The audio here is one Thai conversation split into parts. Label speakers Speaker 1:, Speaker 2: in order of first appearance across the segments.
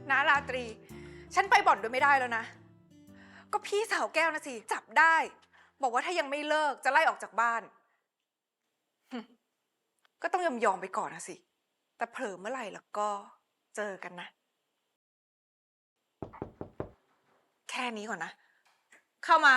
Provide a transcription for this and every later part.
Speaker 1: นะราตรี ฉันไปบ่อนด้วยไม่ได้แล้วนะ ก็พี่สาวแก้วนะสิจับได้ บอกว่าถ้ายังไม่เลิกจะไล่ออกจากบ้านก็ต้องยอมไปก่อนนะสิ แต่เผลอเมื่อไหร่แล้วก็เจอกันนะ แค่นี้ก่อนนะ เข้ามา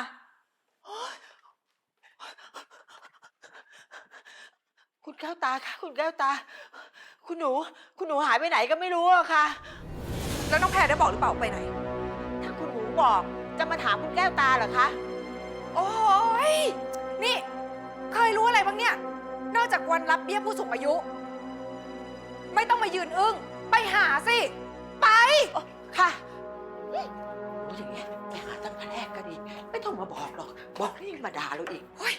Speaker 2: คุณแก้วตาค่ะคุณแก้วตา คุณหนูหายไปไหนก็ไม่รู้อะค่ะ
Speaker 1: แล้วน้องแพรได้บอกหรือเปล่าไปไหน
Speaker 2: ถ้าคุณหนูบอกจะมาถามคุณแก้วตาเหรอคะ
Speaker 1: โอ้ยนี่ เคยรู้อะไรบ้างเนี่ย นอกจากวันรับเบี้ยผู้สูงอายุ ไม่ต้องมายืนอึ้งไปหาสิ ไป
Speaker 2: ค่ะอย่างเงี้ยไปหาตั้งแต่แรกก็ดี ไม่ต้องมาบอกหรอก บอกนี่มาด่าเราอีก
Speaker 1: โอ้ย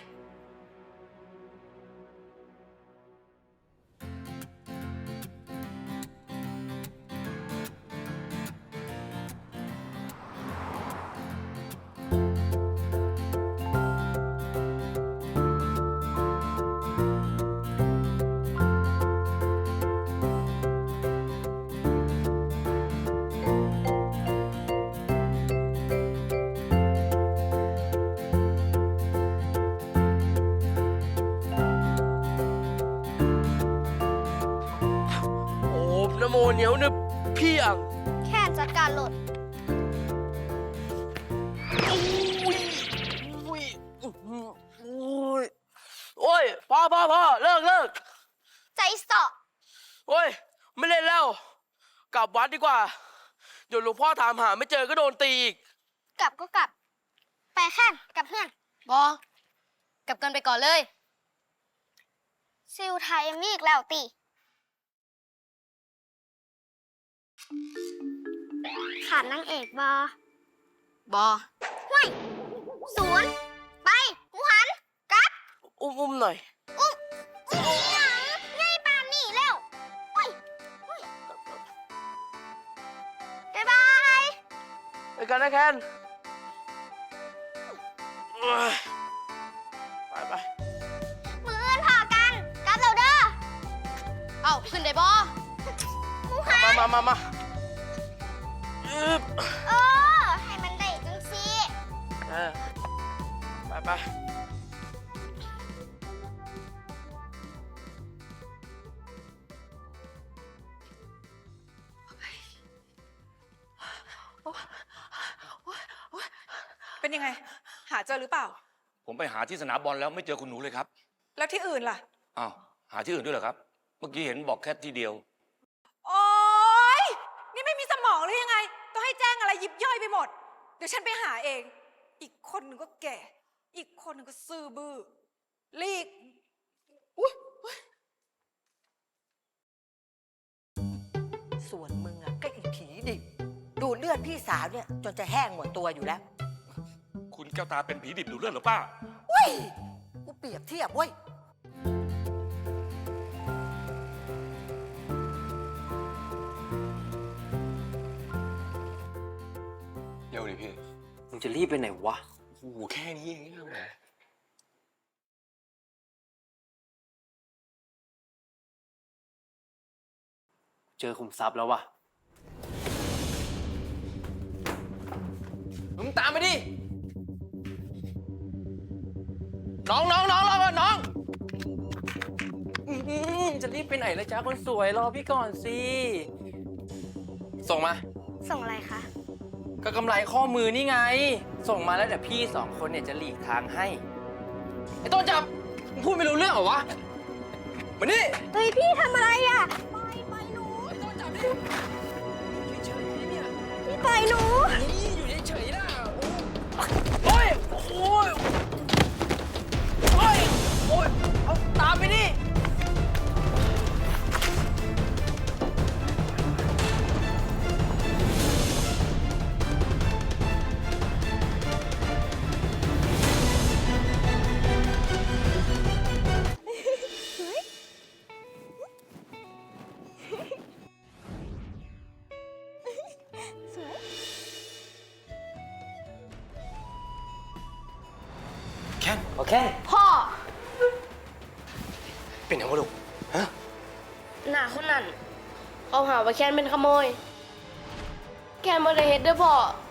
Speaker 3: โอ้นโมเหนียวนึบพี่อ่ะ
Speaker 4: แค่จัดการหลด
Speaker 3: อุ้ยอุ้ยอุ้ยโอ้ยพ่อเลิก
Speaker 4: ใจเสาะ
Speaker 3: โอ้ยไม่เล่นแล้ว กลับวัดดีกว่า เดี๋ยวหลวงพ่อถามหาไม่เจอก็โดนตีอีก
Speaker 4: กลับก็กลับ ไปแค่กลับเพื่อน
Speaker 5: กลับกันไปก่อนเลย
Speaker 4: ซิลไทยมีอีกแล้วตีขาดนางเอกบอห่วยศูนย์ไปหมูหันกลับ
Speaker 3: อุ้มหน่อย
Speaker 4: อุ้มหยังง่ายปานนี่แล้วห่วยบ๊ายบาย
Speaker 3: ไปกันนะแคนไป
Speaker 4: มืออื่นพอกันกลับเราเด้อ
Speaker 5: เอ้าขึ้นได้บ่
Speaker 4: หมูหัน
Speaker 3: มาอึบ
Speaker 4: ให้มันได้จังสิ
Speaker 3: ไป
Speaker 1: เป็นยังไง หาเจอหรือเปล่า
Speaker 6: ผมไปหาที่สนามบอลแล้วไม่เจอคุณหนูเลยครับ
Speaker 1: แล้วที่อื่นล่ะ
Speaker 6: อ้าว หาที่อื่นด้วยเหรอครับ เมื่อกี้เห็นบอกแค่ที่เดียว
Speaker 1: โอ๊ย นี่ไม่มีสมองหรือยังไง ต้องให้แจ้งอะไรยิบย่อยไปหมด เดี๋ยวฉันไปหาเอง อีกคนหนึ่งก็แก่ อีกคนหนึ่งก็ซื่อบื้อลีก
Speaker 2: ส่วนมึงอะก็อีกผีดิ ดูดเลือดพี่สาวเนี่ยจนจะแห้งหมดตัวอยู่แล้ว
Speaker 6: คุณแก้วตาเป็นผีดิบดูดเลือดหรือป้า
Speaker 2: เว้ย กูเปรียบเทียบเว้ย
Speaker 6: เร็วดิพี่
Speaker 3: มึงจะรีบไปไหนวะ
Speaker 6: โอ้โหแค่นี้เองนะแหม
Speaker 3: เจอคุมทรัพย์แล้ววะมึงตามไปดิ น้องรอก่อนน้องจะรีบไปไหนล่ะจ๊ะคนสวยรอพี่ก่อนสิ ส่งมา
Speaker 4: ส่งอะไรคะ
Speaker 3: ก็กำไรข้อมือนี่ไง ส่งมาแล้วเดี๋ยวพี่สองคนเนี่ยจะหลีกทางให้ ไอ้ต้นจับมึงพูดไม่รู้เรื่องเหรอวะ มานี่
Speaker 4: เฮ้ย พี่ทำอะไรอ่ะ ไปหนู
Speaker 3: ไอ้ต้นจับดิเฉยๆเนี่ย
Speaker 4: พี่ปล่อยหนู
Speaker 3: นี่อยู่เฉยๆนะโอ้ยโอ้ยโอ้ยโอ้ยเอาตามไปดิแค่โอเค
Speaker 5: พ่อ
Speaker 3: เป็นยังไงลูกฮะ
Speaker 5: หน้าคนนั้นเขาหาว่าแค้นเป็นขโมย
Speaker 7: แกนบ่ได้เฮ็ดเด้อพ่อ